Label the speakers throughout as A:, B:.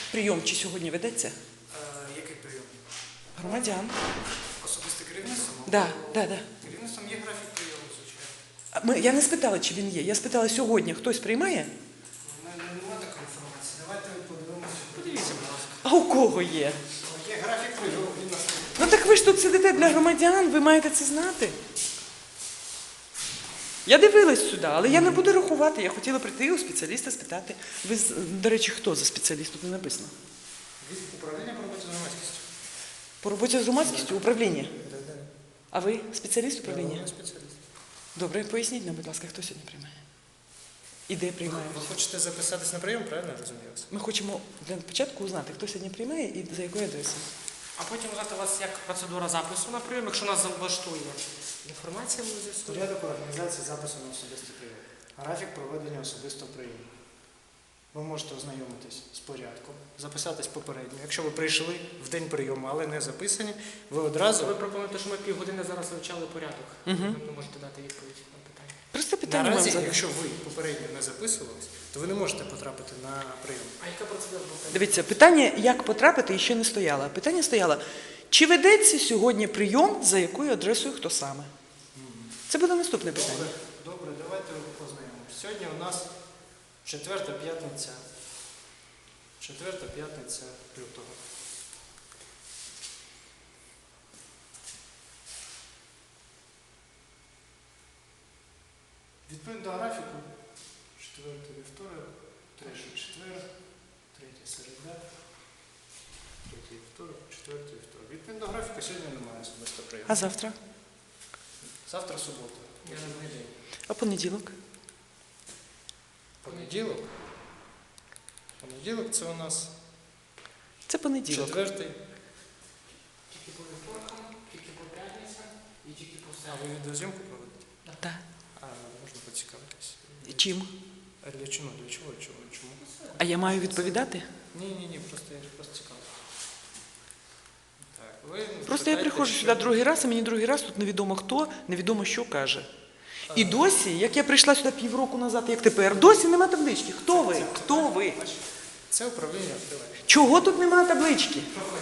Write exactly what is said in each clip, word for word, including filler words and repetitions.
A: Прийом чи сьогодні ведеться?
B: Е, який прийом?
A: Громадян.
B: Особисте керівництво?
A: Да, да, да.
B: Керівництвом є графік прийому, звичайно.
A: А Ми, я не спитала, чи він є. Я спитала, сьогодні хтось приймає?
B: У мене немає такої інформації. Давайте подивимося. Подивіться, будь ласка.
A: А у кого є?
B: Є графік прийому, він нас не...
A: Ну так ви ж тут сидите для громадян, ви маєте це знати. Я дивилась сюди, але я не буду рахувати. Я хотіла прийти у спеціаліста спитати. Ви, з- до речі, хто за спеціаліст? Тут не написано.
B: Від управління по роботі з громадськістю.
A: По роботі з громадськістю управління.
B: Так, так.
A: А ви спеціаліст управління?
B: Я спеціаліст.
A: Добре, поясніть нам, будь ласка, хто сьогодні приймає? І де приймає?
B: Ви хочете записатись на прийом, правильно я розумію вас?
A: Ми хочемо для початку узнати, хто сьогодні приймає і за якою адресою.
C: А потім узнати у вас як процедура запису на прийом, якщо нас влаштує інформація, ми з'ясуємо.
B: Порядок організації запису на особистий прийом. Графік проведення особистого прийому. Ви можете ознайомитись з порядком, записатись попередньо. Якщо ви прийшли в день прийому, але не записані, ви одразу...
C: Ви пропонуєте, що ми півгодини зараз вивчали порядок.
A: Угу.
C: Ви можете дати відповідь на питання.
A: Просто питання вам
B: Наразі,
A: задати.
B: якщо ви попередньо не записувались, то ви не можете потрапити на прийом.
C: А яка процедура була?
A: Дивіться, питання, як потрапити, ще не стояло. Питання стояло, чи ведеться сьогодні прийом, за якою адресою, хто саме? Це буде наступне питання.
B: Добре, добре, давайте познайомимося. Сьогодні у нас четверта п'ятниця. Четверта п'ятниця лютого. Відповідно до графіку, четвертий вівторок, третій четвер, третій середа, третій вівторок, четвертий вівторок. Відповідно до графіку сьогодні немає особисто прийому.
A: А завтра?
B: Завтра субота.
C: Я не знайду.
A: А понеділок?
B: Понеділок. Понеділок це у нас
A: Це понеділок.
B: четвертий.
C: Тільки по вівторкам, тільки по п'ятницям і тільки по
B: А
C: середу.
B: ви відеозйомку проводите?
A: Так.
B: А, можна поцікавитись.
A: І чим?
B: А для чого? Для чого? Чого? Чому?
A: А я маю відповідати?
B: Ні, ні, ні, просто я просто цікаво. Так, ви
A: Просто я
B: питаєте,
A: приходжу
B: що-
A: сюди другий раз, а мені другий раз тут невідомо хто, невідомо що каже. І досі, як я прийшла сюди півроку назад, як тепер, досі нема таблички. Хто ви? Хто ви?
B: Це управління відкриває.
A: Чого тут нема таблички?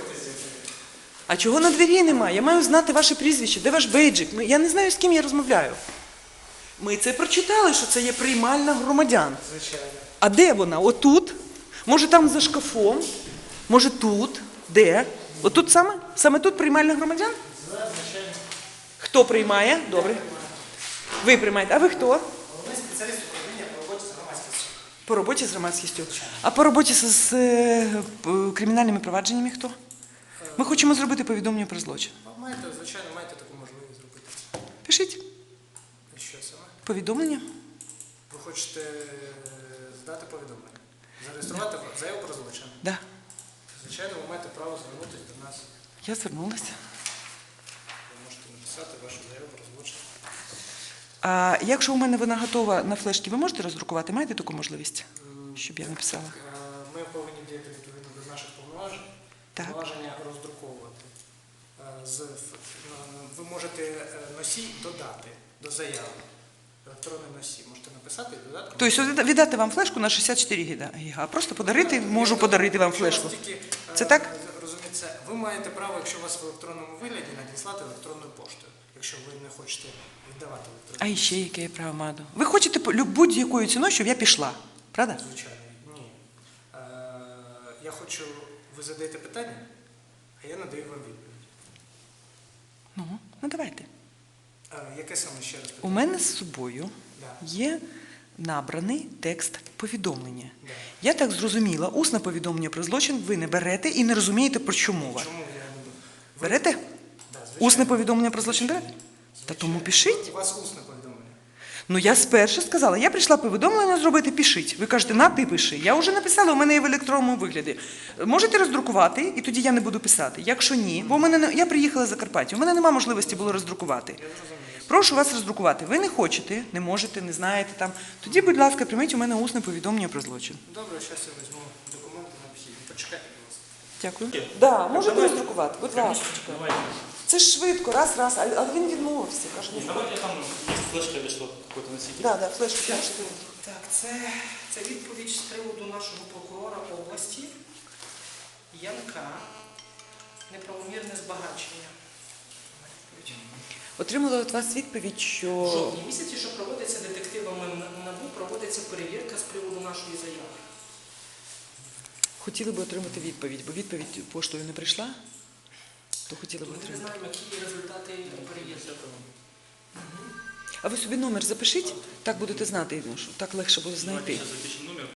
A: А чого на двері нема? Я маю знати ваше прізвище. Де ваш бейджик? Ми- Я не знаю, з ким я розмовляю. Ми це прочитали, що це є приймальна громадян.
B: Звичайно.
A: А де вона? Отут? Може там за шкафом? Може тут? Де? Отут саме? Саме тут приймальна громадян?
B: Звичайно.
A: Хто приймає? Добре. Ви приймаєте. А ви хто?
B: Головний спеціаліст управління по роботі з громадськістю.
A: По роботі з громадськістю. А по роботі з, з е, п- кримінальними провадженнями хто? Ми хочемо зробити повідомлення про злочин.
B: Ви маєте, звичайно, маєте таку можливість зробити.
A: Пишіть
B: І що саме?
A: повідомлення.
B: Ви хочете е, здати повідомлення? Зареєструвати заяву про злочин?
A: Да.
B: Звичайно, ви маєте право звернутися до нас.
A: Я звернулася.
B: Ви можете написати вашу заяву про злочин.
A: А якщо у мене вона готова на флешці, ви можете роздрукувати? Маєте таку можливість? Щоб я написала.
B: Е, Ми повинні діяти відповідно до наших повноважень.
A: Так.
B: Повноваження роздруковувати. Е, з ф- е, Ви можете е, носій додати до заяви. Електронний носій. Можете написати і додати.
A: Тобто відда- віддати вам флешку на шістдесят чотири гіга, а просто подарити, можу подарити вам флешку. Це так?
B: Розуміється, ви маєте право, якщо у вас в електронному вигляді, надіслати електронною поштою, якщо ви не хочете віддавати
A: А
B: електронну.
A: ще яке я право маю? Ви хочете по- люб- будь-якою ціною, щоб я пішла, правда?
B: Звичайно, ні. Е, я хочу, ви задаєте питання, а я надаю вам відповідь.
A: Ну, ну давайте.
B: Е, яке саме ще раз
A: У
B: питання?
A: мене з собою
B: Да.
A: є набраний текст повідомлення.
B: Да.
A: Я так зрозуміла, усне повідомлення про злочин ви не берете і не розумієте, про що мова.
B: Чому я не буду? Ви-
A: Берете?
B: Да, звичайно.
A: Усне повідомлення про злочин берете? Та тому пишіть.
B: У вас усне повідомлення.
A: Ну я спершу сказала, я прийшла повідомлення зробити, пишіть. Ви кажете, на, ти пиши. Я вже написала, у мене є в електронному вигляді. Можете роздрукувати, і тоді я не буду писати. Якщо ні, бо у мене не- я приїхала з Закарпаття, у мене немає можливості було роздрукувати.
B: Я зрозумів.
A: Прошу вас роздрукувати. Ви не хочете, не можете, не знаєте там. Тоді, будь ласка, прийміть у мене усне повідомлення про злочин.
B: Добре, зараз я візьму документи необхідні. Почекайте, будь ласка.
A: Дякую. Так, да, можете роздрукувати, будь ласка. Це ж швидко, раз, раз, але але він відмовився. Каже, ні.
D: Давайте там есть флешка или что, какой-то носитель.
A: Да, да, флешку. флешку.
C: Так, це, це відповідь з приводу нашого прокурора області. Янка. Неправомірне збагачення.
A: Отримала від вас відповідь,
C: В
A: що
C: жовтні місяці, що проводиться детективами НАБУ, проводиться перевірка з приводу нашої заяви.
A: хотіли би отримати відповідь, бо відповідь поштою не прийшла, то хотіли б
C: Ми не
A: отримати.
C: знаємо, які результати перевірки.
A: А ви собі номер запишіть, так будете знати, ну, що так легше буде
D: Давайте
A: знайти.
D: сейчас запишем номер.